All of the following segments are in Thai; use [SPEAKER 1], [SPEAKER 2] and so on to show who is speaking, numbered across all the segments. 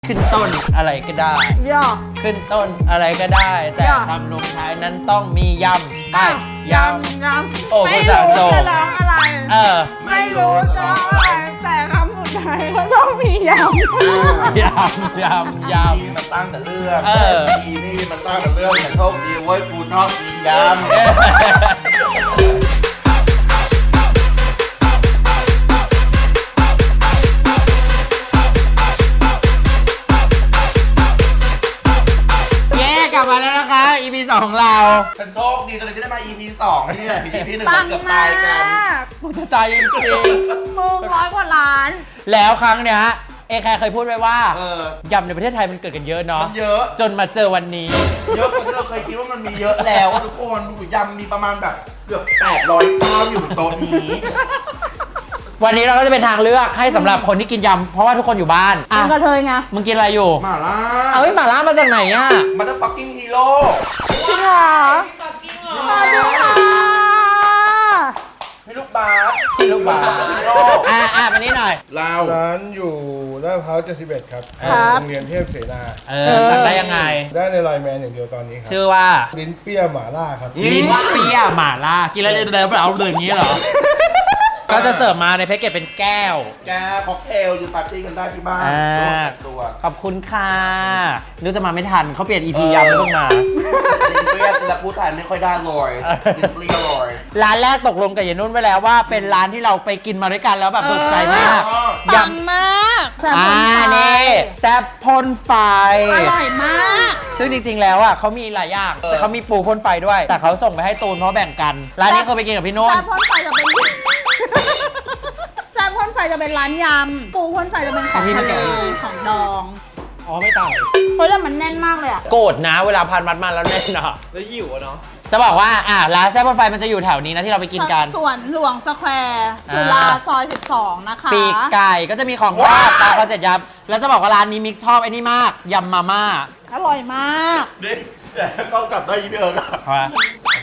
[SPEAKER 1] ขึ้นต้นอะไรก็ได้
[SPEAKER 2] ย่อ
[SPEAKER 1] ขึ้นต้นอะไรก็ได้ แต่
[SPEAKER 2] ย่อ
[SPEAKER 1] คำลงท้ายนั้นต้องมียำไปย
[SPEAKER 2] ยำ
[SPEAKER 1] โอ้
[SPEAKER 2] ไม่
[SPEAKER 1] ภาษา
[SPEAKER 2] รู้
[SPEAKER 1] โจ
[SPEAKER 2] จะร้องอะไร
[SPEAKER 1] ำ
[SPEAKER 2] ไม่รู้จะร้องอะไรแต่คำสุดท้ายก็ต้องมียำ
[SPEAKER 1] ยำ
[SPEAKER 3] นี่มันตั้งแต่เรื่อง
[SPEAKER 1] ำ
[SPEAKER 3] นี่มันตั้งแต่เรื่องแต่โชคดีเว้ยกูชอบกินยำ
[SPEAKER 1] แย่กลับมาแล้วนะคะ EP 2ของเรา
[SPEAKER 3] ฉันโชคดีตอนนี้ที่ได้มา EP 2นี่แหละ EP 1
[SPEAKER 2] ปั
[SPEAKER 3] เรา
[SPEAKER 2] ง
[SPEAKER 3] เกือบ
[SPEAKER 2] มา
[SPEAKER 3] ตายกัน
[SPEAKER 2] ก
[SPEAKER 1] มันจะตายจริง
[SPEAKER 2] มึง100 กว่าล้าน
[SPEAKER 1] ๆแล้วครั้งเนี้ยเอแคร์เคยพูดไว้ว่า
[SPEAKER 3] ย
[SPEAKER 1] ำในประเทศไทยมันเกิดกันเยอะเนาะ
[SPEAKER 3] มันเยอะ
[SPEAKER 1] จนมาเจอวันนี้
[SPEAKER 3] เยอะกว่าที่เราเคยคิดว่ามันมีเยอะแล้วทุกคนดูยำมีประมาณแบบเกือบ800เจ้าอยู่บนโต๊ะนี้
[SPEAKER 1] วันนี้เราก็จะเป็นทางเลือกให้สำหรับคนที่กินยำเพราะว่าทุกคนอยู่บ้าน
[SPEAKER 2] กินกระเทยไง
[SPEAKER 1] มึงกินอะไรอยู่
[SPEAKER 3] มาล่า
[SPEAKER 1] เอาไอ้หม่าล่ามาจากไหนอ่ะ
[SPEAKER 3] มันจะ fucking hero
[SPEAKER 2] จริงเหรอสวัสดีค่ะ
[SPEAKER 3] พี่ลูกบาส
[SPEAKER 1] พี่ลูกบาส
[SPEAKER 3] ฮีโร่
[SPEAKER 1] มานี่หน่อย
[SPEAKER 3] เรา
[SPEAKER 4] ร้านอยู่ลาดพร้าว71 ครับ
[SPEAKER 2] ครับ
[SPEAKER 4] โรงเรียนเทพเสนา
[SPEAKER 1] สั่งได้ยังไง
[SPEAKER 4] ได้ในไลน์แมนอย่างเดียวตอนนี้ครั
[SPEAKER 1] ชื่อว่า
[SPEAKER 4] ลิ้นเปรี้ยหม่าล่าครับ
[SPEAKER 1] ลิ้นเปรี้ยหม่าล่า กินแล้วเดินเอาเลยอย่างนี้เหรอ ก็จะเสิร์ฟมาในแพ็กเกจเป็นแก้ว
[SPEAKER 3] แกค็อกเทลอยู่ปาร์ตี้กันได้ที่บ้าน
[SPEAKER 1] อ่า
[SPEAKER 3] ตัว
[SPEAKER 1] ขอบคุณค่ะนึกจะมาไม่ทันเขาเปลี่ยน EP ยำไม่ต้องมา
[SPEAKER 3] กินเปรี้ยวแต่พูดไทยไม่ค่อยได้เลยกินเปรี้ยวเลย
[SPEAKER 1] ร้านแรกตกลงกับยายนุ่นไว้แล้วว่าเป็นร้านที่เราไปกินมาด้วยกันแล้วแบบถูกใจมาก
[SPEAKER 2] ปังมากแซ่บคนไท
[SPEAKER 1] นี่
[SPEAKER 2] ย
[SPEAKER 1] แซ่บพ่นไฟ
[SPEAKER 2] อร่อยมาก
[SPEAKER 1] ซึ่งจริงๆ แล้วอ่ะเขามีหลายอย่างแต่เขามีปูพ่นไฟด้วย แต่เขาส่งไปให้ตูนเพราะแบ่งกัน ร้านนี้เคยไปกินกับพี่นุ่น
[SPEAKER 2] แซ่บพ่นไฟจะเป็นแซ่บพ่นไฟจะเป็นร้านยำปูพ่นไฟจะเป็นของทะเลของดอง
[SPEAKER 1] อ๋อไม่ต่าง
[SPEAKER 2] เฮ้ยแล้วมันแน่นมากเลยอ่ะ
[SPEAKER 1] โกรธนะเวลาพันมัดมาแล้วแน่นอะแล้วหิวอะเนาะจะบอกว่าร้านแซ่บพ่นไฟมันจะอยู่แถวนี้นะที่เราไปกินกัน
[SPEAKER 2] สวนหลวงสแควร์จุฬาซอย 12 นะคะ
[SPEAKER 1] ปีกไก่ก็จะมีของราดปลาคอนเซ็ปต์ยำแล้วจะบอกว่าร้านนี้มิกชอบไอ้นี่มากยำมาม่า
[SPEAKER 2] อร่อยมาก
[SPEAKER 3] นี่แต่ก็กลับได้ยี่พี่เอิร์กอะ
[SPEAKER 1] เอาวะ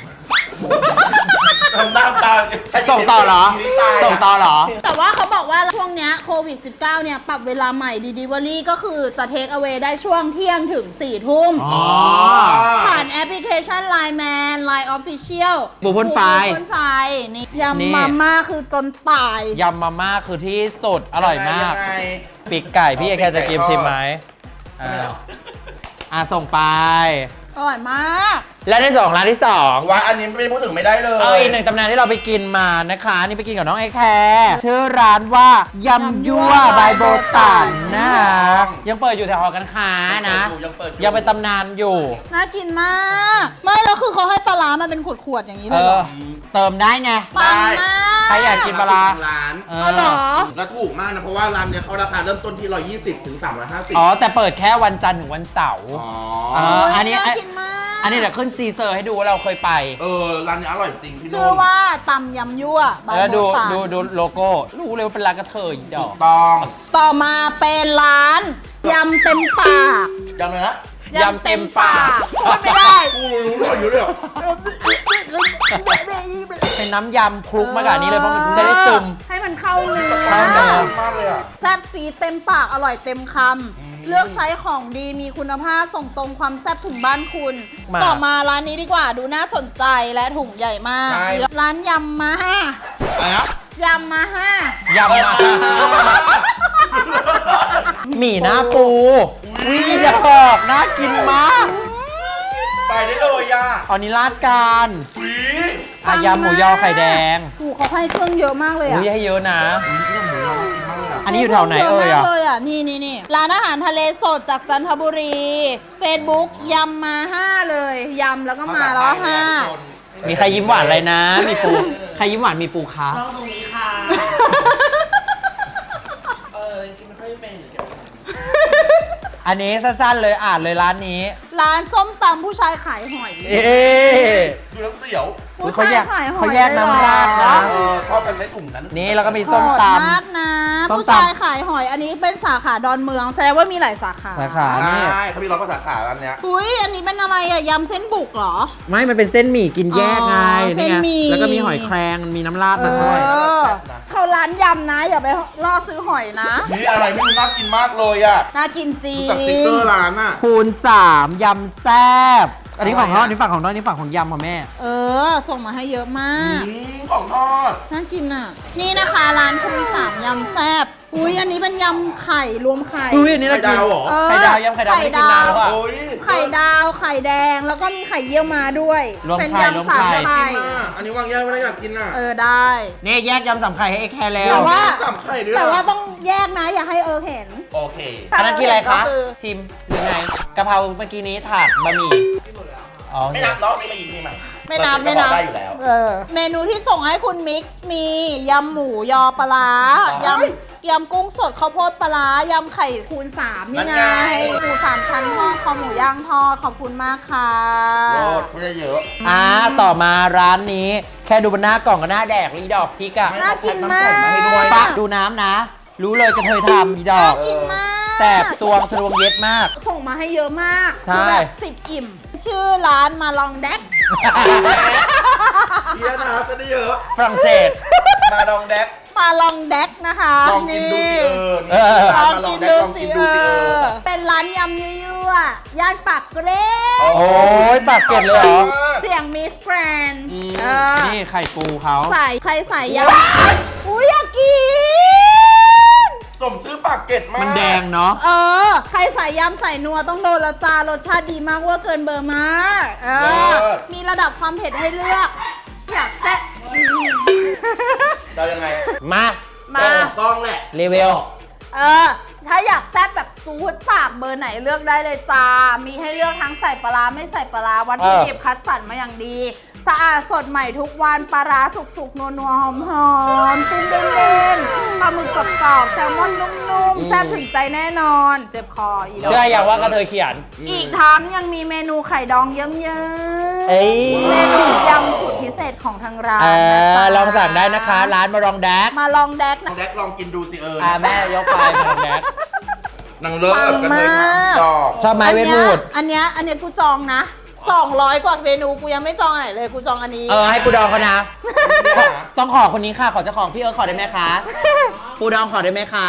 [SPEAKER 3] ทำหน้าตา
[SPEAKER 1] ส่งต่อเหรอ ส่งต่อเหรอ
[SPEAKER 2] แต่ว่าเขาบอกว่าช่วงเนี้ยโควิด 19 เนี่ยปรับเวลาใหม่ Delivery ก็คือจะเทคเอา a y ได้ช่วงเที่ยงถึง 4 ทุ่ม
[SPEAKER 1] อ๋อ
[SPEAKER 2] ผ่านแอปพลิเคชัน Line Man Line Official
[SPEAKER 1] ปูพ่นไฟ
[SPEAKER 2] ปูพ่นไฟนี่
[SPEAKER 1] นี่
[SPEAKER 2] ยำมาม่าคือจนตาย
[SPEAKER 1] ยำมาม่าคือที่สุดอร่อยมาก
[SPEAKER 3] ยังไง
[SPEAKER 1] ปีกไก่พี่เอแคร์จะกินชิมไหม ส่งไป
[SPEAKER 2] อร่อยมาก
[SPEAKER 1] และในส่วนของร้านที่สอง
[SPEAKER 3] ว่าอันนี้ไม่พูดถึงไม่ได้เลย
[SPEAKER 1] อีกหนึ่งตำนานที่เราไปกินมานะคะนี่ไปกินกับน้องไอแคร์ชื่อร้านว่ายำยั่วบายโบตันนะคะยังเปิดอยู่แถวหอการค้านะ
[SPEAKER 3] ยังเปิดอยู่
[SPEAKER 1] ยังเป็นตำนานอยู่
[SPEAKER 2] น่ากินมาก ไม่แล้วคือเขาให้ปลาร้ามาเป็นขวดๆอย่างนี้เลยเหรอ
[SPEAKER 1] เติมได้ไง
[SPEAKER 2] ปังมาก
[SPEAKER 1] ใครอยากกินปลาร้า
[SPEAKER 3] ร้าน
[SPEAKER 1] เอ
[SPEAKER 2] อ๋อเหรอ
[SPEAKER 3] แล้วถูกมากนะเพราะว่าร้านเนี้ยเขาราคาเริ่มต้นที่120ถึง350
[SPEAKER 1] อ๋อแต่เปิดแค่วันจันทร์ถึงวันเสาร์
[SPEAKER 3] อ๋อ
[SPEAKER 1] อันนี้
[SPEAKER 2] น่ากินมาก
[SPEAKER 1] อันนี้เดี๋ยวขึ้นซีเซอร์ให้ดูว่าเราเคยไป
[SPEAKER 3] ร้านนี้อร่อยจริงพี่นุ่น
[SPEAKER 2] ชื่อว่าตำยำยั่วบาย
[SPEAKER 1] แล้ว
[SPEAKER 2] โบ
[SPEAKER 1] ดู
[SPEAKER 2] ตัน
[SPEAKER 1] ดูโลโก้รู้เลยว่าเป็นร้านกระเทยดอก
[SPEAKER 3] ต้อง
[SPEAKER 2] ต่อมาเป็นร้านยำเต็มปาก
[SPEAKER 3] ยังไงนะ
[SPEAKER 1] ยำเต็มปาก
[SPEAKER 2] พูดไม่ได้
[SPEAKER 3] กูรู้เลยอยู่เลยเหรอ
[SPEAKER 1] เป็นน้ำยำคลุกมากับอันนี้เลยเพราะมันจะได้ซึม
[SPEAKER 2] ให้มันเข้าเนื้
[SPEAKER 1] เข้าเนื้
[SPEAKER 2] อ
[SPEAKER 1] อ
[SPEAKER 3] มากเลยอ่ะ
[SPEAKER 2] แซ่บซีดเต็มปากอร่อยเต็มคำเลือกใช้ของดีมีคุณภาพส่งตรงความแซ่บถึงบ้านคุณ ต่อมาร้านนี้ดีกว่าดูน่าสนใจและถุงใหญ่มาก
[SPEAKER 3] ใช่
[SPEAKER 2] ร้านยำมาห้า
[SPEAKER 3] อะไรนะ
[SPEAKER 2] ยำมาห้าย
[SPEAKER 1] ำมาหมี่หน้าปูวิดอกน่ากินมาก
[SPEAKER 3] ไปได้เลยอ่ะ
[SPEAKER 1] อันนี้ราดการ
[SPEAKER 3] หวี
[SPEAKER 1] ยำหมูยอไข่แดง
[SPEAKER 2] ถูกเขาให้เครื่องเยอะมากเลย
[SPEAKER 1] อุ้
[SPEAKER 2] อ่ะ
[SPEAKER 1] ยให้เยอะนะ
[SPEAKER 3] ที่หมูยอกินมากเลยอ่ะ
[SPEAKER 1] อันนี้อยู่แถวไหน
[SPEAKER 2] เยอะ
[SPEAKER 1] เอ่ย
[SPEAKER 2] มาก
[SPEAKER 1] อ่ะ
[SPEAKER 2] เลยอ่ะนี่ร้านอาหารทะเลสดจากจันทบุรี Facebook ยำมาห้าเลยยำแล้วก็มาแล้วห้า
[SPEAKER 1] มีใครยิ้มหวานอะไรนะ มีปูใครยิ้มหวานมีปูคะ
[SPEAKER 3] ตรงนี้ค่ะกินไม่ค่อยเป็น
[SPEAKER 1] อันนี้สั้นๆเลยอ่านเลยร้านนี้
[SPEAKER 2] ร้านส้มตำผู้ชายขายหอย
[SPEAKER 1] เอ๊ะ
[SPEAKER 3] ดูแล้วเสียว
[SPEAKER 2] ผู้
[SPEAKER 1] เขา
[SPEAKER 2] ชาย
[SPEAKER 1] แยก
[SPEAKER 2] ขายหอย
[SPEAKER 1] เขาแยกน้ำราดนะ
[SPEAKER 3] ชอบกันใช้ถุงนั้น
[SPEAKER 1] นี่แล้วก็มี
[SPEAKER 2] โห
[SPEAKER 1] ส้ม
[SPEAKER 2] ด
[SPEAKER 1] ต
[SPEAKER 2] มากนะ
[SPEAKER 1] ส้มตำ
[SPEAKER 2] ผู้ชายขายหอยอันนี้เป็นสาขาดอนเมือง แสดงว่ามีหลายสาขา
[SPEAKER 1] ำสาขา
[SPEAKER 3] ใช่
[SPEAKER 1] นี่
[SPEAKER 3] เขามีร้อยกว่าสาขาร้านเนี้ย
[SPEAKER 2] อุ้ยอันนี้เป็นอะไรอะยำเส้นบุกเหรอ
[SPEAKER 1] ไม่มันเป็นเส้นหมี่กินแยกไง
[SPEAKER 2] อ๋อ
[SPEAKER 1] นี่ไง
[SPEAKER 2] เส้นหมี่
[SPEAKER 1] แล้วก็มีหอยแครงมีน้ำราด
[SPEAKER 2] เอ
[SPEAKER 1] มาด้วย
[SPEAKER 2] อเขาร้านยำนะ อย่าไปล่อซื้อหอยนะ
[SPEAKER 3] นี่อะไรไม่รู้น่ากินมากเลยอ่ะ
[SPEAKER 2] น่ากินจริ
[SPEAKER 3] ดู
[SPEAKER 2] ง
[SPEAKER 3] จากสติ๊กเกอร์ร้านอ่ะ
[SPEAKER 1] คูณ 3 ยำแซ่บอันนี้ของทอดอันนี้ฝั่งของทอดอันนี้ฝั่งของยำค่ะแม่
[SPEAKER 2] เออ ส่งมาให้เยอะมาก
[SPEAKER 3] ของทอด
[SPEAKER 2] น่ากินอ่ะ นี่นะคะร้านคุณสามยำแซ่บอุ้ยอันนี้เป็นยำไข่รวมไข่
[SPEAKER 1] อุ้ยอันนี้น่ากิน
[SPEAKER 3] ไข่ดาวเหรอ
[SPEAKER 2] เออ
[SPEAKER 1] ไข่ดาวยำไข่ดาวไม่ได้กินนานแล้วอะ
[SPEAKER 3] โอ้ย
[SPEAKER 2] ไข่ดาวไข่แดงแล้วก็มีไข่เยี่ยวมาด้วย
[SPEAKER 1] รวม
[SPEAKER 2] เป็น
[SPEAKER 1] ไข่รวม
[SPEAKER 2] ยำสาม
[SPEAKER 1] ไข่
[SPEAKER 2] ไข่
[SPEAKER 3] กินอ่ะอันนี้วางแยกไม่ได้อยากกินอ่ะ
[SPEAKER 2] เออได้
[SPEAKER 1] นี่แยกยำสามไข่ให้เอ็กแคร์แล้ว
[SPEAKER 2] แต่ว่า
[SPEAKER 3] สามไข่ด้วย
[SPEAKER 2] แต่ว่าต้องแยกนะอย่าให้เห็น
[SPEAKER 3] โอเค
[SPEAKER 1] อันนั้นกินอะไรคะ
[SPEAKER 2] ก็คือ
[SPEAKER 1] ชิมหรือไงกะเพราเมื่อกี้นี้ถาดบะหมี่อ๋อ
[SPEAKER 3] ไม่นับรอบนี้มายิงที่ใหม่
[SPEAKER 2] ไม่นับ
[SPEAKER 3] เรา
[SPEAKER 2] ไม่
[SPEAKER 3] จะ
[SPEAKER 2] นับ
[SPEAKER 3] ได้อยู่แล้ว
[SPEAKER 2] เออเมนูที่ส่งให้คุณมิกซ์มียำหมูยอปลาร้า
[SPEAKER 3] ว้าย
[SPEAKER 2] ยำกุ้งสดข้าวโพดปลาร้ายำไข่คูณ3นี่ไง
[SPEAKER 3] นั่นไง
[SPEAKER 2] หมู3ชั้นทอดคอหมูย่างทอดขอบคุณมากค่ะ
[SPEAKER 3] โลดไม่ได้เยอะ
[SPEAKER 1] ต่อมาร้านนี้แค่ดูบนหน้ากล่องก็หน้าแดกลีดอกพริกอะ
[SPEAKER 2] น่ากินมาก
[SPEAKER 3] แถมน้ำแข็งมาให้ด้วย
[SPEAKER 1] ปะดูน้ำนะ รู้เลยกระเทยทำอีดอ
[SPEAKER 2] น่าก กินมาก
[SPEAKER 1] แสบตวงทะลวงเย็ดมาก
[SPEAKER 2] ส่งมาให้เยอะมาก
[SPEAKER 1] ใช่
[SPEAKER 2] คือแบบ10 อิ่ม ชื่อร้านมาลองแดก
[SPEAKER 3] เยอะนะจะได้เยอะ
[SPEAKER 1] ฝรั่งเศส
[SPEAKER 3] มาดองแดก
[SPEAKER 2] มาลองแดกนะคะ
[SPEAKER 3] ลองกินดูสินี่
[SPEAKER 1] เออ
[SPEAKER 2] ลอง
[SPEAKER 3] มาลอ
[SPEAKER 2] กิ
[SPEAKER 3] ง
[SPEAKER 2] น
[SPEAKER 3] แดก
[SPEAKER 2] ดู
[SPEAKER 3] ลอง
[SPEAKER 2] สิ
[SPEAKER 3] กินดูสิ
[SPEAKER 2] เป็นร้านยำยั่วๆย่านปากเกร็ด
[SPEAKER 1] โอ้ยปากเกร็ดเลยเหรอ
[SPEAKER 2] เสียงมิสแกรนด์
[SPEAKER 1] อืม
[SPEAKER 2] เออ
[SPEAKER 1] นี่ไข่ปูเขา
[SPEAKER 2] ใส่ใครใส่ยำอุ้ยอยากกิน
[SPEAKER 3] สมชื่อปากเกร็ดมาก
[SPEAKER 1] มันแดงเนาะ
[SPEAKER 2] เออ ใครใส่ยำใส่นัวต้องโดนและจ้ารสชาติดีมากเว่าเกินเบอร์มากเออ มีระดับความเผ็ดให้เลือก อยากแซ่บ
[SPEAKER 3] จะยังไง
[SPEAKER 1] มา
[SPEAKER 2] มา
[SPEAKER 3] ต้องแหละ
[SPEAKER 1] รีเวล
[SPEAKER 2] เออ ถ้าอยากแซ่บแบบซูดปากเบอร์ไหนเลือกได้เลยจ้า มีให้เลือกทั้งใส่ปลาร้าไม่ใส่ปลาร้าวัตถุดิบคัดสรรมาอย่างดี สะอาดสดใหม่ทุกวันปลาร้าสุกๆ นัวๆ หอมๆตุ้มเด่นๆปลาหมึกกรอบๆแซลมอนนุ่มๆ แซ่บถึงใจแน่นอน เจ็บคออีดอก
[SPEAKER 1] เชื่ออย่างว่ากระเทยเขียน
[SPEAKER 2] อีกทั้งยังมีเมนูไข่ดองเยิ้ม
[SPEAKER 1] เอ้ย
[SPEAKER 2] ๆเมนูยำสูตรพิเศษของทางร้าน
[SPEAKER 1] เอ
[SPEAKER 2] นะ
[SPEAKER 1] อ
[SPEAKER 2] จ๊ะ
[SPEAKER 1] ลองสั่งได้นะคะ ร้านมาลองแดก
[SPEAKER 2] มาลองแดก
[SPEAKER 3] ลอ
[SPEAKER 2] นะ
[SPEAKER 3] งแดกลองกินดูสิ
[SPEAKER 1] แม่ยกไปมาลองแดก
[SPEAKER 3] นางเลิศกันเลย
[SPEAKER 2] ปังมาก
[SPEAKER 3] ดอก
[SPEAKER 1] ชอบไหมเวทมูด
[SPEAKER 2] อันเนี้ยกูจองนะ200 กว่าเมนูกูยังไม่จองไหนเลยกูจองอันนี้
[SPEAKER 1] ให้ปูดองเขานะ
[SPEAKER 3] เนี่ยนะ
[SPEAKER 1] ต้องขอคนนี้ค่ะ ขอเจ้าของพี่ขอได้ไหมคะ ปูดองขอได้ไหมคะ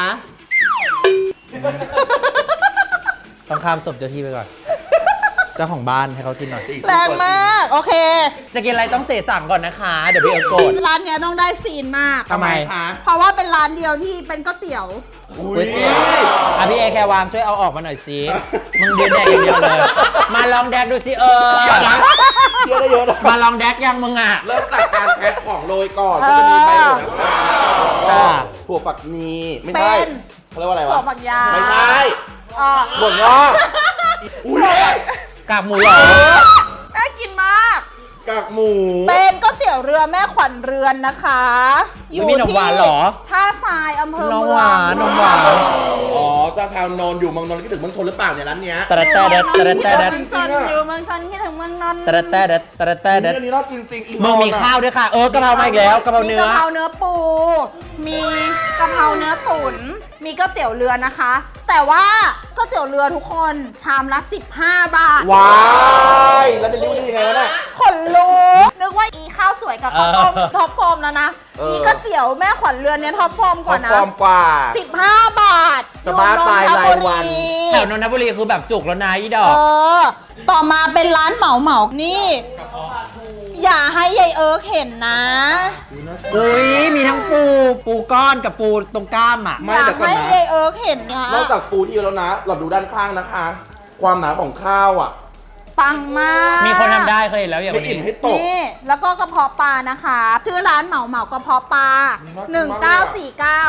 [SPEAKER 1] ต้องข้ามศพเจ้าที่ไปก่อน เจ้าของบ้านให้เขากินหน่อย
[SPEAKER 2] แรงมาก โอเค
[SPEAKER 1] จะกินอะไรต้องเสสั่งก่อนนะคะ เดี๋ยวพี่โกรธ
[SPEAKER 2] ร้านเนี้ยต้องได้ซีนมาก
[SPEAKER 1] ทำไม
[SPEAKER 3] คะ
[SPEAKER 2] เพราะว่าเป็นร้านเดียวที่เป็นก๋วยเตี๋ยว
[SPEAKER 3] อุ้
[SPEAKER 1] ก๋วย ยเตี๋ยวพี่แควางช่วยเอาออกมาหน่อยสิมึงยืนแดกอย่างเดียวเลย มาลองแดกดูสิ
[SPEAKER 3] เยอะนะเยอะได้เยอะนะ
[SPEAKER 1] มาลองแดกยังมึงอ่ะ
[SPEAKER 3] เริ่มจากการแพ็คของโรยก่อนก็จะมีใบโหระพาแล้วก็ถั่วฝักนีไม่ใช่
[SPEAKER 2] เป็น
[SPEAKER 3] เขาเรียกว่าอะไร
[SPEAKER 2] ถั่
[SPEAKER 3] วะ
[SPEAKER 2] วฝักยาว
[SPEAKER 3] ไม่ใช่
[SPEAKER 2] อ่ะ
[SPEAKER 3] บวงงอกอุ้ย
[SPEAKER 1] กากหมูเหรอ
[SPEAKER 2] น่ากินมาก
[SPEAKER 3] กากหมู
[SPEAKER 2] เป็นก๋วยเตี๋ยวเรือแม่ขวัญเรือนนะคะ อยู่
[SPEAKER 1] มีนม
[SPEAKER 2] ที่
[SPEAKER 1] หวานเหรอ
[SPEAKER 2] ท่าทรายอำเภอเมื
[SPEAKER 1] น
[SPEAKER 2] อง
[SPEAKER 1] มหวานนมหวาน
[SPEAKER 3] อ๋อเจ้าชาวนนท์อยู่เมืองนนท์คิดถึงเมืองชนหรือเปล่าเนี่ยร้านเนี้ย
[SPEAKER 1] ตะระแตะเด็ดตะระแตะเด็ด
[SPEAKER 2] เมืองชนอยู่เมืองชนคิดถึงเมืองนนท์
[SPEAKER 1] ตะระแตะเด็ดตะระแตะเด็ด
[SPEAKER 3] อันนี้รอดจริงๆอีก
[SPEAKER 1] มึงมีข้าวด้วยค่ะ กะเพรามาอีกแล้วกะเพรา
[SPEAKER 2] มี
[SPEAKER 1] เนื้
[SPEAKER 2] กะ
[SPEAKER 1] อ
[SPEAKER 2] เพราเนื้อปู มีกะเพราเนื้อตุ๋น มีก๋วยเตี๋ยวเรือนะคะ แต่ว่าก๋วยเตี๋ยวเรือทุกคนชามละ15 บาท
[SPEAKER 3] ว้ายแล้วเป็นริ้วได้ยังไงวะเนี่ย
[SPEAKER 2] ขนลุกนึกว่าอีข้าวสวยกับข้าวต้มท็อปฟอร์มแล้วนะ อีก๋วยเตี๋ยวแม่ขวัญเรือนเนี่ยท็อปฟอร์มกว่านะ
[SPEAKER 3] ฟอร์มกว่า
[SPEAKER 2] 15 บาท
[SPEAKER 3] จะบ้าตายรายวัน
[SPEAKER 1] แถวนนทบุรีคือแบบจุกแล้วนะอีดอ
[SPEAKER 2] เอก อ ต่อมาเป็นร้านเหมานี่ อย่าให้ยายเอิร์กเห็นนะ
[SPEAKER 1] อุ้ยมีทั้งปูก้อนกับปูตรงกล้ามอ่ะ
[SPEAKER 3] ไม่
[SPEAKER 2] อยา
[SPEAKER 3] เดี๋
[SPEAKER 2] ก
[SPEAKER 3] ยวก่อน
[SPEAKER 2] ให้
[SPEAKER 3] นะ
[SPEAKER 2] ยายเอิร์กเห็นนะ
[SPEAKER 3] นอกจากปูที่แล้วนะ เราดูด้านข้างนะคะ ความหนาของข้าวอ่ะ
[SPEAKER 2] ปังมาก
[SPEAKER 1] มีคนทำได้เคยเห็นแล้วอย่าง
[SPEAKER 3] ไม่
[SPEAKER 1] วัน
[SPEAKER 3] อิ่ม
[SPEAKER 1] นี้
[SPEAKER 3] ให้ตก
[SPEAKER 2] นี่ แล้วก็กระเพาะปลานะคะ ชื่อร้านเหมากระเพาะปลา 1949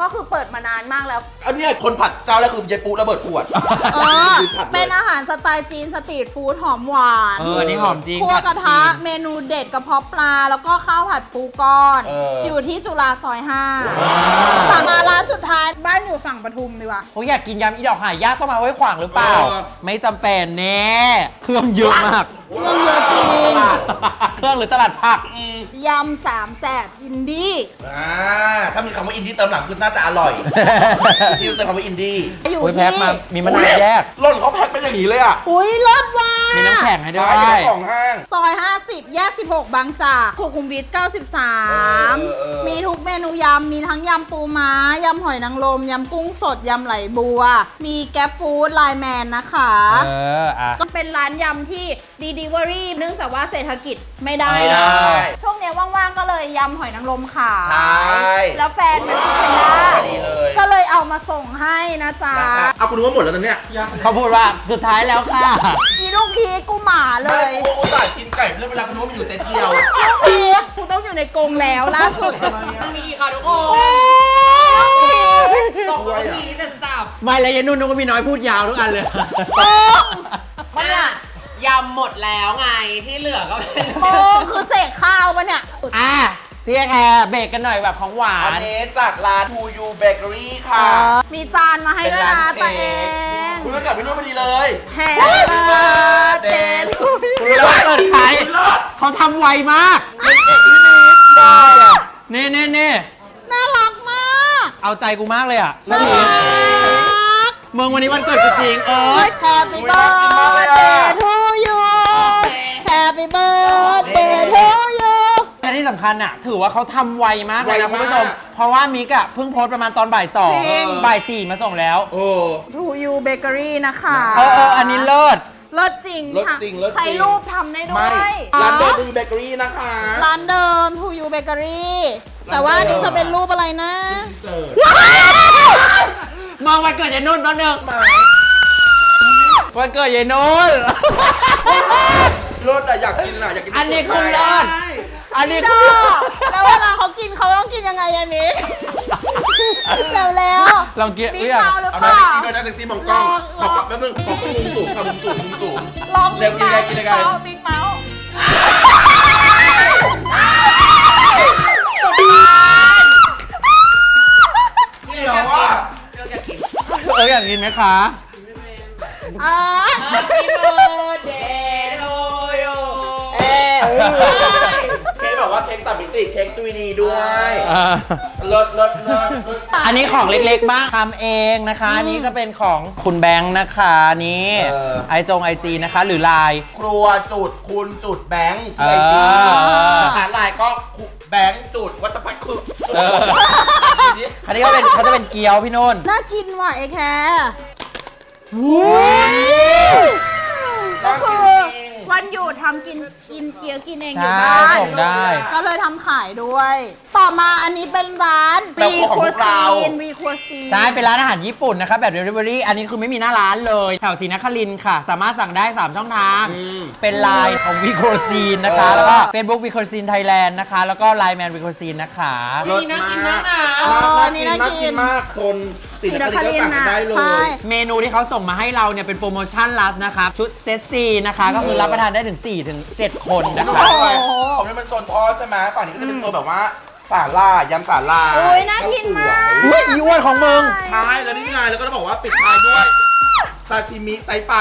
[SPEAKER 2] ก็คือเปิดมานานมากแล้ว
[SPEAKER 3] อันเนี้ยคนผัดเจ้าแรกคือยายปูระเบิดขวด
[SPEAKER 2] เออ
[SPEAKER 3] ผัดลย
[SPEAKER 2] เป็นอาหารสไตล์จีนสตรีทฟู้ดหอมหวาน
[SPEAKER 1] อันนี้หอมจริง
[SPEAKER 2] คั่วกระทะ
[SPEAKER 1] ผัดจีน
[SPEAKER 2] เมนูเด็ดกระเพาะปลา แล้วก็ข้าวผัดปูก้อน
[SPEAKER 3] เออ
[SPEAKER 2] อยู่ที่จุฬาซอย5สั่งมาร้านสุดท้ายบ้านอยู่ฝั่งปทุมดีกว่า
[SPEAKER 1] ผมอยากกินยำอีดอกหายากต้องมาไว้ขวางหรือเปล่า ไม่จำเป็นแน่เครื่องเยอะมาก
[SPEAKER 2] เครื่องเยอะจริง
[SPEAKER 1] เครื่องหรือตลาดผัก
[SPEAKER 2] ยำสามแสบอินดี้
[SPEAKER 3] ถ้ามีคำว่าอินดี้เติมหลังคือน่าจะอร่อย ที่เติมคำว่าอินดี้
[SPEAKER 2] อยู่
[SPEAKER 1] อุ้ยแพ็ค
[SPEAKER 2] ที่
[SPEAKER 1] มามีมะนาวแยก
[SPEAKER 3] ร่นเขาแพ็คเป็นอย่างนี้เลยอ่ะ
[SPEAKER 2] อุ้ยรสหวาน
[SPEAKER 1] มีน้ำแข็งให้ด้ว
[SPEAKER 3] ขายอยู่
[SPEAKER 1] ย
[SPEAKER 3] ในของห้าง
[SPEAKER 2] ซอย 50 แยก 16 บางจากสุขุมวิท 93 มีทุกเมนูยำ มีทั้งยำปูม้า ยำหอยนางรม ยำกุ้งสด ยำไหลบัว มีแก๊ปฟู้ดไลน์แมนนะคะ
[SPEAKER 1] อ่ะ
[SPEAKER 2] ก็เป็นร้านยำที่ดีลิเวอรี่เนื่องจากว่าเศรษฐกิจไม่ได้
[SPEAKER 3] ไม่ได้
[SPEAKER 2] ช่วงเนี้ยว่างๆ ก็เลยยำหอยนางรมขาย
[SPEAKER 3] ใช่
[SPEAKER 2] แล้วแฟนเป็นฟู้ดแพนด้า
[SPEAKER 3] ดีเลย
[SPEAKER 2] ก็เลยเอามาส่งให้นะจ๊ะ
[SPEAKER 3] เอาคุณรู้ว่าหมดแล้วตอนเนี้ย
[SPEAKER 1] เขาพูดว่าสุดท้ายแล้วค่ะ
[SPEAKER 2] อีลูกพีชกูหมาเล
[SPEAKER 3] ไม่
[SPEAKER 2] ย
[SPEAKER 3] กูอุตส่าห์กินไก่เรื่องเวลาคุณรู้ว่ามีอยู่เซตเดียว
[SPEAKER 2] ลูกพีชกูต้องอยู่ในกรงแล้วล่าสุด
[SPEAKER 5] มีค่ะทุกคนส่งมาทีเสร็จสับ
[SPEAKER 1] ไม่แล้วยายนุ่นก็มีน้อยพูดยาวทุกอันเลย
[SPEAKER 5] มันอะยำหมดแล้วไงที่เหลือก็เป็น
[SPEAKER 2] โมคือเสกข้าวปะเนี่ย
[SPEAKER 1] อ่ะพี่แคร์เบรกกันหน่อยแบบของหวา
[SPEAKER 3] อัน
[SPEAKER 1] น
[SPEAKER 3] นี้จากร้าน To You Bakery ค่ะ
[SPEAKER 2] มีจานมาให้ด้วยนะตัวเอง
[SPEAKER 3] คุณก็กลับไปนู่นพอดีเลย
[SPEAKER 2] แฮปปี้เบิร์ดเดย์ทู
[SPEAKER 1] คุณรู้ว่าเกิดใครเขาทำไวมาก
[SPEAKER 3] ได้อะ
[SPEAKER 1] เน่
[SPEAKER 2] น่ารักมาก
[SPEAKER 1] เอาใจกูมากเลยอ่ะ
[SPEAKER 2] น่ารัก
[SPEAKER 1] มึงวันนี้วันเกิดกูจริง
[SPEAKER 2] แฮปปี้เบิร์ดเดย์ทูยูแฮปปี้เบิร์ดเดย์ทูยู
[SPEAKER 1] และที่สำคัญอ่ะ ถือว่าเขาทำไวมากเลยนะ
[SPEAKER 3] ไวมาก
[SPEAKER 1] คุณผู้ชม เพราะว่ามิกอ่ะเพิ่งโพสต์ประมาณตอนบ่าย
[SPEAKER 2] จริง
[SPEAKER 1] 2บ่าย 4มาส่งแล้ว
[SPEAKER 3] โอ้
[SPEAKER 2] ทูยูเบเกอรี่นะคะ
[SPEAKER 1] อันนี้เลิศ
[SPEAKER 2] เลิศจริง
[SPEAKER 3] เลิศ
[SPEAKER 2] ค่ะ
[SPEAKER 3] จริงเลิศจริง
[SPEAKER 2] ใช้รูปทำได้ด้
[SPEAKER 3] ไม่
[SPEAKER 2] วย
[SPEAKER 3] ร้านเดิม To You Bakery นะคะ
[SPEAKER 2] ร้านเดิมทูยูเบเกอรี่แต่ว่าอันนี้จะเป็นรูปอะไรนะ
[SPEAKER 3] เสิร์ฟ
[SPEAKER 1] มองวันเกิดยายนุ่นแป๊บนึง
[SPEAKER 3] มา
[SPEAKER 1] วันเกิดยายนุ่น
[SPEAKER 3] รสอะอยากกินอะอยากกิน
[SPEAKER 1] อันนี้คือเลิศ อันนี้
[SPEAKER 2] ด
[SPEAKER 1] คือ
[SPEAKER 2] อแล้วเวลาเขากินเขาต้องกินยังไงอันนี้แล้ว
[SPEAKER 1] ลองกิน
[SPEAKER 2] มี
[SPEAKER 1] อุ๊ย
[SPEAKER 2] เมาหรือ
[SPEAKER 3] เอา
[SPEAKER 2] เป
[SPEAKER 3] ได้
[SPEAKER 2] ล่า
[SPEAKER 3] กินด้วยนะแท็กซี่มองกล้อง
[SPEAKER 2] ลอง
[SPEAKER 3] ขอแป๊บนึงขอมุมสูงค่ะมุมสูงมุมสูง
[SPEAKER 2] ลอง
[SPEAKER 3] เร็วกินอะไรกินอะไร
[SPEAKER 2] บิ๊กเมาส์
[SPEAKER 3] เดี๋ยวว่า
[SPEAKER 1] อยากกินไหมคะ
[SPEAKER 2] อ่า
[SPEAKER 5] Happy birthday to you
[SPEAKER 3] เค้กบอกว่าเค้ก3มิติเค้ก 3D ด้วย
[SPEAKER 1] อ่า
[SPEAKER 3] เลิศเลิศเลิศ
[SPEAKER 1] อันนี้ของเล็กๆบ้างทำเองนะคะ อันนี้ก็เป็นของคุณแบงค์นะคะนี่ไอจีนะคะ หรือไลน์
[SPEAKER 3] ครัวจุดคุณจุดแบงค์ชื่อไอจี
[SPEAKER 1] อ
[SPEAKER 3] อาหารลายก็แบงค์จุดวัตพัฒน์คือ
[SPEAKER 1] อันนี้เขาจะเป็นเกี๊ยวพี่นุ่น
[SPEAKER 2] น่ากินว่ะไอ้แคร์ก็คือวันหยุดทำกินเกี๊ยวกินเองอยู่
[SPEAKER 1] ใช่
[SPEAKER 2] บ้าน
[SPEAKER 1] ส่งได้
[SPEAKER 2] ก็เลยทำขายด้วย ต่อมาอันนี้เป็นร้านวีครัวซีน
[SPEAKER 1] ใช่ เป็นร้านอาหารญี่ปุ่นนะคะแบบ Delivery อันนี้คือไม่มีหน้าร้านเลย แถวศรีนครินทร์ค่ะ สามารถสั่งได้ 3 ช่องทาง เป็นไลน์ของวีโคซีนนะคะ แล้วก็ Facebook วีโคซีนไทยแลนด์นะคะ แล้วก็ไลน์แมนวีโคซีนนะคะ
[SPEAKER 3] รส
[SPEAKER 5] น่ากินมากนะ
[SPEAKER 3] น่ากินมากคนศรีนครินทร์ก็สั่งกันได้เล
[SPEAKER 2] ใช่
[SPEAKER 3] ย
[SPEAKER 1] เมนูที่เขาส่งมาให้เราเนี่ยเป็นโปรโมชั่นลัสนะคะ ชุดเซตซีนะคะ ก็คือรับประทานได้ถึง 4-7 คนนะคะ
[SPEAKER 3] ของนี้มันโซนทอดใช่ไหมฝั่งนี้ก็จะเป็นโซนแบบว่าสาล่ายำสาล่า
[SPEAKER 2] โอ้ยน่ากินมาก
[SPEAKER 1] อุ้ยอีอ้วนของมึง
[SPEAKER 3] ใช่แล้วนี่ไงแล้วก็ต้องบอกว่าปิดท้ายด้วยซาชิมิไซปลา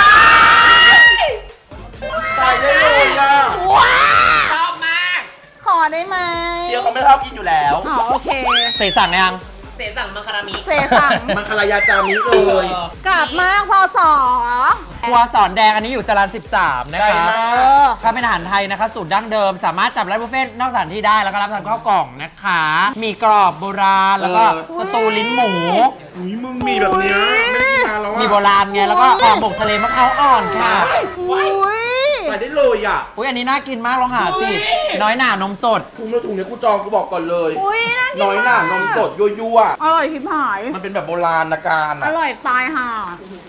[SPEAKER 3] ใส่ได้เลยอ่ะ
[SPEAKER 2] ว้า
[SPEAKER 5] ชอบมาก
[SPEAKER 2] ขอได้ไหม
[SPEAKER 3] เดี๋ยวเขาไม่ชอบกินอยู่แล้ว
[SPEAKER 2] อ๋อโอเค
[SPEAKER 1] ใส่สั่งยัง
[SPEAKER 5] เสสั่งมาคารามิ
[SPEAKER 2] เซสั่ง
[SPEAKER 3] มันคารายาจามิเลย
[SPEAKER 2] กลับมากพอสอ
[SPEAKER 1] ครัวสอนแดงอันนี้อยู่จรัญ13 นะ
[SPEAKER 3] ใช่
[SPEAKER 1] คะ
[SPEAKER 3] มาก
[SPEAKER 1] ถ้าเป็นอาหารไทยนะคะ สูตรดั้งเดิม สามารถจับร้านบุฟเฟ่ต์นอกสถานที่ได้แล้วก็รับทานข้าวกล่องนะคะ มีกรอบโบราณแล้วก็สตูลิ้นหมู
[SPEAKER 3] อุ้ยมึงมีแบบเนี้ยไม่ได้กินนานแล้วอ่ะ
[SPEAKER 1] มีโบราณไงแล้วก็ห่อหมกทะเลมะพร้าวอ่อนค่ะ
[SPEAKER 2] อุ้ย
[SPEAKER 3] ใส่ได้เลยอ่ะ
[SPEAKER 1] อุ้ยอันนี้น่ากินมากลองหาสิ น้อยหน่านมสด
[SPEAKER 3] ถุงเนื้อถุงเนี้ยกูจองกูบอกก่อนเลย
[SPEAKER 2] อุ้ยน่ากิน
[SPEAKER 3] น้อยหน่านมสดยั่ว
[SPEAKER 2] อร่อยพิมหาย
[SPEAKER 3] ๆมันเป็นแบบโบราณการ
[SPEAKER 2] อ
[SPEAKER 3] อ่ะ
[SPEAKER 2] ร่อยตายห่า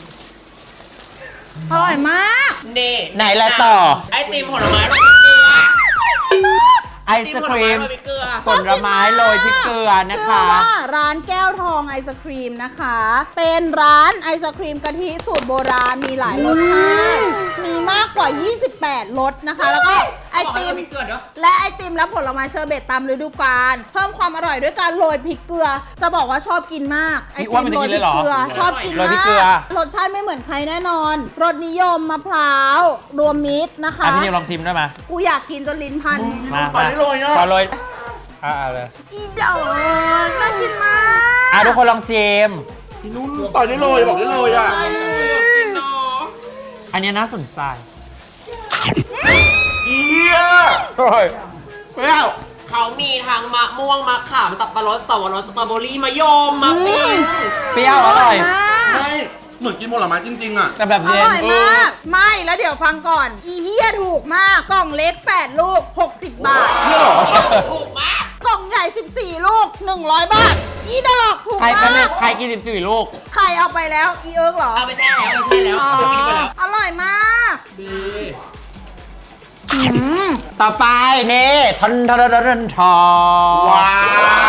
[SPEAKER 2] อร่อยมาก
[SPEAKER 5] นี่
[SPEAKER 1] ไหนละต่อ
[SPEAKER 5] ไอติมผลไม้รสเกลือ
[SPEAKER 1] ไไอศครีม
[SPEAKER 5] จิ้ผลไโรยพริกเกลือ
[SPEAKER 1] ผลไม้โรยพริกเกลือนะ
[SPEAKER 2] ชื่อ
[SPEAKER 1] คะ
[SPEAKER 2] ว่าร้านแก้วทองไอศครีมนะคะ เป็นร้านไอศครีมกะทิสูตรโบราณมีหลายรสชาติมีมากกว่า 28 รสนะคะ แล้วก็ไอติม
[SPEAKER 5] พริกเกลือเนาะ
[SPEAKER 2] และไอติมและผลไม้เชอร์เบตตามฤดูกาลเพิ่มความอร่อยด้วยการโรยพริกเกลือ จะบอกว่าชอบกินมากไอ
[SPEAKER 1] พี่อ้
[SPEAKER 2] ติ
[SPEAKER 1] วน
[SPEAKER 2] ม
[SPEAKER 1] มัน
[SPEAKER 2] โร
[SPEAKER 1] จะ
[SPEAKER 2] ย
[SPEAKER 1] กิน
[SPEAKER 2] พ
[SPEAKER 1] เล
[SPEAKER 2] ริ
[SPEAKER 1] ย
[SPEAKER 2] ก
[SPEAKER 1] เหรอ
[SPEAKER 2] เกลือชอบกิน
[SPEAKER 1] โรยพริ
[SPEAKER 2] มาก
[SPEAKER 1] เกลือ
[SPEAKER 2] รสชาติไม่เหมือนใครแน่นอนรสนิยมมะพร้าวรวมมิตรนะคะ
[SPEAKER 1] พี่นิวลองชิมได้ไหม
[SPEAKER 2] กูอยากกินจนลิ้นพัน
[SPEAKER 1] มา
[SPEAKER 3] ตอนนี้โรยอ่ะ
[SPEAKER 1] ขอโรยเอาเลย
[SPEAKER 2] อีเดอน่ากินมาก
[SPEAKER 1] ทุกคนลองชิม
[SPEAKER 3] พี่นุ่นตอนนี้โรยบอกได้เลยอ่ะ
[SPEAKER 1] อันนี้น่าสนใจ
[SPEAKER 3] เอีย
[SPEAKER 1] โอ้ย
[SPEAKER 3] เปรี้ยว
[SPEAKER 5] เขามีทั้งมะม่วงมะขามสับปะรดสับปะรดสตรอเบอรี่มะยมมะปิง
[SPEAKER 1] เปรี้ยวอร่อย
[SPEAKER 2] มาก
[SPEAKER 3] ไม่เหมือนกินผลไม้จริงๆอ่ะ
[SPEAKER 1] แต่แบบ
[SPEAKER 2] อ
[SPEAKER 1] เย็น
[SPEAKER 2] ร่อยมาก ไม่แล้วเดี๋ยวฟังก่อน อีเฮียถูกมาก กล่องเล็ก 8 ลูก 60 บาท
[SPEAKER 3] เนี่ยเหรอ
[SPEAKER 5] ถูกมาก
[SPEAKER 2] กล่องใหญ่ 14 ลูก 100 บาท อีดอกถูก
[SPEAKER 1] ใคร
[SPEAKER 2] มาก
[SPEAKER 1] ใครกิน14ลูก
[SPEAKER 2] ใครเอาไปแล้ว อีเอิร์กเหรอ
[SPEAKER 5] เอาไปแช่แล้วเอาไปแช่แล้ว
[SPEAKER 2] อ๋อ
[SPEAKER 5] เอาไปกินไปแล้ว
[SPEAKER 2] อร่อยมาก
[SPEAKER 5] ดี
[SPEAKER 2] อืม
[SPEAKER 1] ต่อไปนี่ทอนทอนทอนทอน
[SPEAKER 3] ว้าว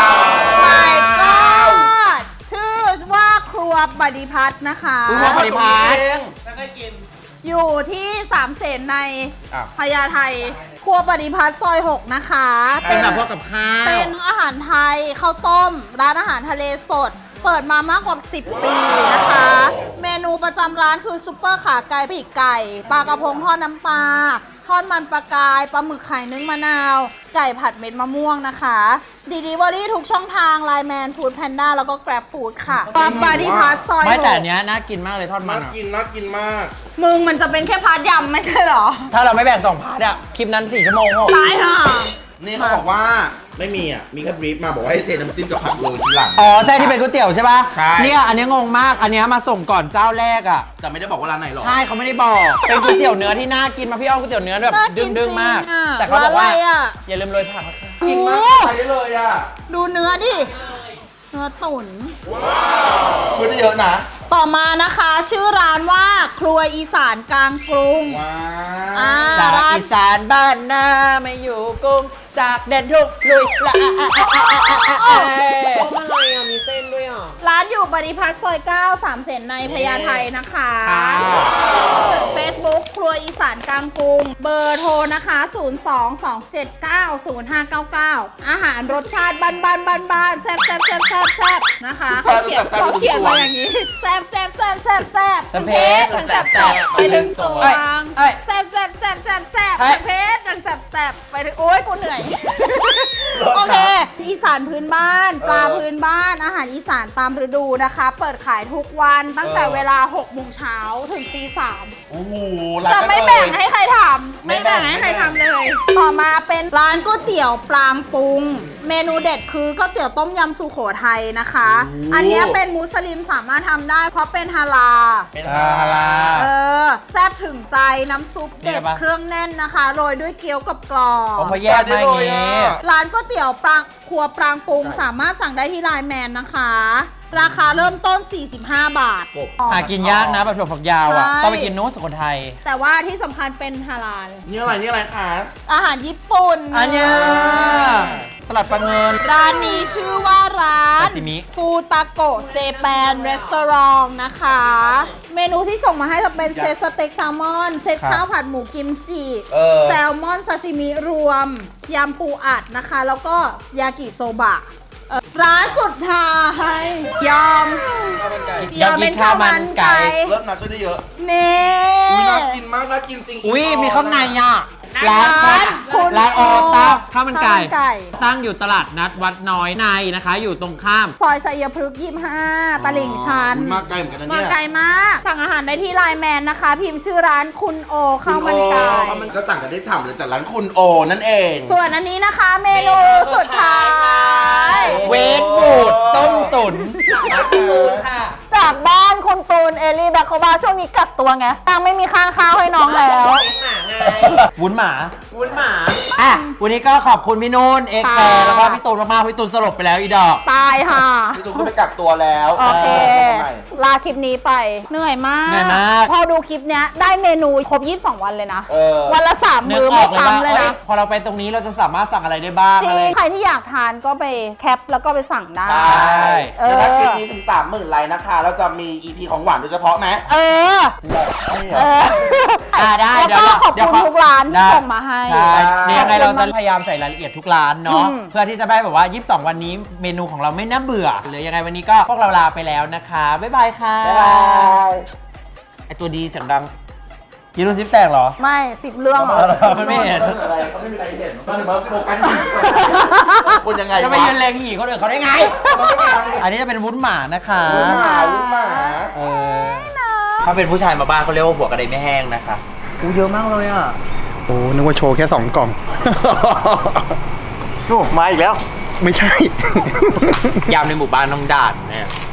[SPEAKER 2] my god ชื่อว่าครัวปฏิพัฒน์นะคะ
[SPEAKER 1] คุณว่าปฏิพัฒน์
[SPEAKER 5] แล้วก็กิน
[SPEAKER 2] อยู่ที่สามเสนใน
[SPEAKER 3] อ่ะ
[SPEAKER 2] พญาไทครัวปฏิพัฒน์ซอย 6 นะคะ
[SPEAKER 1] เป็นแบบพวกกับข้าว
[SPEAKER 2] เป็นอาหารไทยข้าวต้ม ร้านอาหารทะเลสด เปิดมามากกว่า 10 ปีนะคะ เมนูประจำร้านคือซุปเปอร์ขาไก่ปีกไก่ปลากระพงทอดน้ำปลาทอดมันปลากายปลาหมึกไข่นึ่งมะนาว ไก่ผัดเม็ดมะม่วงนะคะดีลิเวอรี่ทุกช่องทางไลน์แมนฟู้ดแพนด้าแล้วก็แกร็บฟู้ดค่ะปลาปาดิพัสซอย
[SPEAKER 1] ไม่แต่
[SPEAKER 2] ห
[SPEAKER 1] อั
[SPEAKER 2] ก
[SPEAKER 1] นเนี้ยน่ากินมากเลยทอดมั
[SPEAKER 3] น่าน
[SPEAKER 1] อะ
[SPEAKER 3] กินน่ากินมาก
[SPEAKER 2] มึงมันจะเป็นแค่พาร์ทยำไม่ใช่เหรอ
[SPEAKER 1] ถ้าเราไม่แบ่ง2 พาร์ทอะคลิปนั้น4 ชั่วโมงเหรอ
[SPEAKER 2] ตายห่า
[SPEAKER 3] นี่เขาบอกว่าไม่มีอ่ะ มีแค่บรีฟมาบอกว่าให้เทน้ำจิ้มกับผักโรยทีหลัง
[SPEAKER 1] อ๋อใช่ที่เป็นก๋วยเตี๋ยวใช่ป่ะ
[SPEAKER 3] ใช่
[SPEAKER 1] เนี่ยอันนี้งงมากอันเนี้ยมาส่งก่อนเจ้าแรกอะ
[SPEAKER 3] แต่ไม่ได้บอกว่าร้านไหนหรอก
[SPEAKER 1] ใช่เขาไม่ได้บอก เป็นก๋วยเตี๋ยวเนื้อที่น่ากินมาพี่อ้อมก๋วยเตี๋ยวเนื้อแบบ
[SPEAKER 2] น่ากิน
[SPEAKER 1] ดึงๆมาก
[SPEAKER 2] จริงอะ
[SPEAKER 1] แต่เขาบอกว่า
[SPEAKER 2] ร้านอะไรอะ
[SPEAKER 1] อย่าลืมโรยผักนะคะ
[SPEAKER 3] กินมากใช้ได้เลยอ่ะ
[SPEAKER 2] ดูเนื้อดิ เนื้อตุ๋น
[SPEAKER 3] ช่วยได้เยอะนะ
[SPEAKER 2] ต่อมานะคะชื่อร้านว่าครัวอีสานกลางกรุง
[SPEAKER 3] ว้า
[SPEAKER 2] อ่า
[SPEAKER 3] ว
[SPEAKER 1] จาก
[SPEAKER 2] ร้าน
[SPEAKER 1] อีสานบ้านนาไม่อยู่กรุงจากแดนทุกลุยละ
[SPEAKER 5] ต้มอะไรอ่ะ มีเส้นด้วยอ่ะ
[SPEAKER 2] ร้านอยู่ปฏิพัฒน์ซอย 9 3 เสนในพญาไทนะคะ เฟซบุ๊กครัวอีสานกลางกรุง เบอร์โทรนะคะ 022790599 อาหารรสชาติบ้านๆแซ่บๆนะคะเขาเขียนมาอย่างนี้ แซ่บๆทั้งเพชรทั้งแซ่บๆไปถึงสวงแซ่บๆทั้งเพชรทั้งแซ่บๆไปถึงโอ๊ยกูเหนื่อย โอเค อีสานพื้นบ้าน ปลาพื้นบ้าน อาหารอีสานตามฤดูนะคะ เปิดขายทุกวันตั้งแต่เวลา 6 โมงเช้าถึงตี 3
[SPEAKER 3] โอ้โห
[SPEAKER 2] จะไม่แบ่งให้ใครทำไม่แบ่งให้ใครทำเลย ต่อมาเป็นร้านก๋วยเตี๋ยวปรางปรุง เมนูเด็ดคือก๋วยเตี๋ยวต้มยำสุโขทัยนะคะ อันเนี้ยเป็นมุสลิมสามารถทำได้เพราะเป็นฮาลาล
[SPEAKER 3] เป็น
[SPEAKER 1] ฮาลา
[SPEAKER 2] เออแซ่บถึงใจน้ำซุปเด็ด
[SPEAKER 1] นี่ปะ
[SPEAKER 2] เครื่องแน่นนะคะโรยด้วยเกี๊ยวกับกรอบ
[SPEAKER 1] เขาแยกมาอย่างงี้
[SPEAKER 2] ร้านก๋วยเตี๋ยวปรางครัวปรางปรุงสามารถสั่งได้ที่ไลน์แมนนะคะ ราคาเริ่มต้น 45 บาท
[SPEAKER 1] หากินยากนะแบบถั่วฝักยาวอ่ะ
[SPEAKER 2] ใช่
[SPEAKER 1] ต้องไปกินโน้ตสุโขทัย
[SPEAKER 2] แต่ว่าที่สำคัญเป็นฮาลาล
[SPEAKER 3] นี่อะไรคะ
[SPEAKER 2] อาหารญี่ปุ่น
[SPEAKER 1] อันเนี้ยสลัดปลาเงิน
[SPEAKER 2] ร้านนี้ชื่อว่าร้าน
[SPEAKER 1] ซาซิมิ
[SPEAKER 2] ฟูตาโกะเจแปนรีสอร์ทนะคะ เมนูที่ส่งมาให้จะเป็นเซตสเต็กแซลมอน เซตข้าวผัดหมูกิมจิ แซลมอนซาซิมิรวม ยำปูอัดนะคะ แล้วก็ยากิโซบะร้านสุดท้ายยอม
[SPEAKER 1] อยากกินข้าวมันไก่
[SPEAKER 3] เลิศนะช่วยได้เยอะ
[SPEAKER 2] นี่
[SPEAKER 3] อุ้ยน่ากินมากน่ากินจริง
[SPEAKER 1] อุ้ยมีข้างในอ่ะ ร้าน
[SPEAKER 2] คุณ
[SPEAKER 1] ร้านโอตาข้าวมันไก่
[SPEAKER 2] ข้าวมันไก่
[SPEAKER 1] ตั้งอยู่ตลาดนัดวัดน้อยในนะคะ อยู่ตรงข้าม
[SPEAKER 2] ซอยชัยพฤกษ์25 ตลิ่งชัน
[SPEAKER 3] อุ๊ยมาไกลเหมือนกันนะ
[SPEAKER 2] มา
[SPEAKER 3] เนี่ย
[SPEAKER 2] ไกลมาก สั่งอาหารได้ที่ไลน์แมนนะคะ พิมพ์ชื่อร้านคุณโอข้าวมันไก่
[SPEAKER 3] ข้าวมันก็สั่งกันได้ฉ่ำเลยจากร้านคุณโอนั่นเอง
[SPEAKER 2] ส่วนอันนี้นะคะเมนูสุดท้าย
[SPEAKER 1] เวทบูดต้มตุ๋น
[SPEAKER 5] ร้านการ์ตูนค่ะ
[SPEAKER 2] จจากบ้านคุณตูนเอลี่แบ็คโคบาช่วงนี้กักตัวไงตังไม่มีค่าข้าวให้น้องแล้ว
[SPEAKER 5] เลี้ยงหมาไง
[SPEAKER 1] วุ้นหมา
[SPEAKER 5] วุ้นหมา
[SPEAKER 1] อ่ะวันนี้ก็ขอบคุณพี่นุ่นเอ็กแฟร์
[SPEAKER 2] ค่ะ
[SPEAKER 1] แล้วก็พี่ตูนมากๆพี่ตูนสลบไปแล้วอีดอก
[SPEAKER 2] ตายค่ะ
[SPEAKER 3] พี่ตูนก็ไปกักตัวแล้ว
[SPEAKER 2] โอเค
[SPEAKER 3] ทำไม
[SPEAKER 2] ลาคลิปนี้ไปเหนื่อยมาก
[SPEAKER 1] เหนื่อยมาก
[SPEAKER 2] พอดูคลิปเนี้ยได้เมนูครบ 22 วันเลยนะ
[SPEAKER 3] เออ
[SPEAKER 2] วันละ 3
[SPEAKER 1] นึ
[SPEAKER 2] มื้
[SPEAKER 1] ก
[SPEAKER 2] อ
[SPEAKER 1] อ
[SPEAKER 2] ไม่
[SPEAKER 1] อกเลยว่า
[SPEAKER 2] ซ้ำเลย
[SPEAKER 1] เอ้ย
[SPEAKER 2] นะ
[SPEAKER 1] พอเราไปตรงนี้เราจะสามารถสั่งอะไรได้บ้าง
[SPEAKER 2] จ
[SPEAKER 1] อะไร
[SPEAKER 2] ริงใครที่อยากทานก็ไปแคปแล้วก็ไปสั่งได้
[SPEAKER 3] ใช่
[SPEAKER 2] เออ
[SPEAKER 3] แต่ถ้าคลิปนี้ถึง 30,000 ไลค์นะคะเราจะมี EP ของหวานโดยเฉพาะไหม
[SPEAKER 2] เออ
[SPEAKER 3] ไม่เหร
[SPEAKER 2] เอ
[SPEAKER 3] อ
[SPEAKER 2] อ
[SPEAKER 1] ได้
[SPEAKER 2] แล้วก็ขอบ
[SPEAKER 1] เดี๋ยว
[SPEAKER 2] คุณทุกร้านที่
[SPEAKER 1] ได้
[SPEAKER 2] ส่งมาให้
[SPEAKER 1] ใช่เดี๋ยวยังไง
[SPEAKER 2] ข
[SPEAKER 1] เรา
[SPEAKER 2] อบคุณ
[SPEAKER 1] จะ
[SPEAKER 2] มาก
[SPEAKER 1] พยายามใส่รายละเอียดทุกร้านเนาะ
[SPEAKER 2] อืม
[SPEAKER 1] เพื่อที่จะได้แบบว่า 22 วันนี้เมนูของเราไม่น่าเบื่อหรือยังไงวันนี้ก็พวกเราลาไปแล้วนะคะ บ๊ายบายค่ะ
[SPEAKER 3] บ๊ายบาย
[SPEAKER 1] ไอตัวดีเสียงดังยีรูซิปแตกเหรอ
[SPEAKER 2] ไม่10 เรื่องเหรอ
[SPEAKER 1] มันไม่เห็น
[SPEAKER 3] อะไรเขาไม่มีใครเห็นมันถึงมาโฟกัสอยู่คนยังไง
[SPEAKER 1] จะไป
[SPEAKER 3] วะ
[SPEAKER 1] ยืนเลงหีคนอื่นเขาได้ไง
[SPEAKER 3] มันไม่มีทาง
[SPEAKER 1] อันนี้จะเป็นวุ้นหมานะคะ
[SPEAKER 3] ลูกหมาลูกหมา
[SPEAKER 1] เออถ้าเป็นผู้ชายมาบ้านเขาเรียกว่าหัวกระไดไม่แห้งนะคะอู้เยอะมากเลยอ่ะ
[SPEAKER 4] โอ้นึกว่าโชว์แค่2 กล่อง
[SPEAKER 3] โอ้มาอีกแล้ว
[SPEAKER 4] ไม่ใช่
[SPEAKER 1] ยามในหมู่บ้านต้องด่านเนี่ย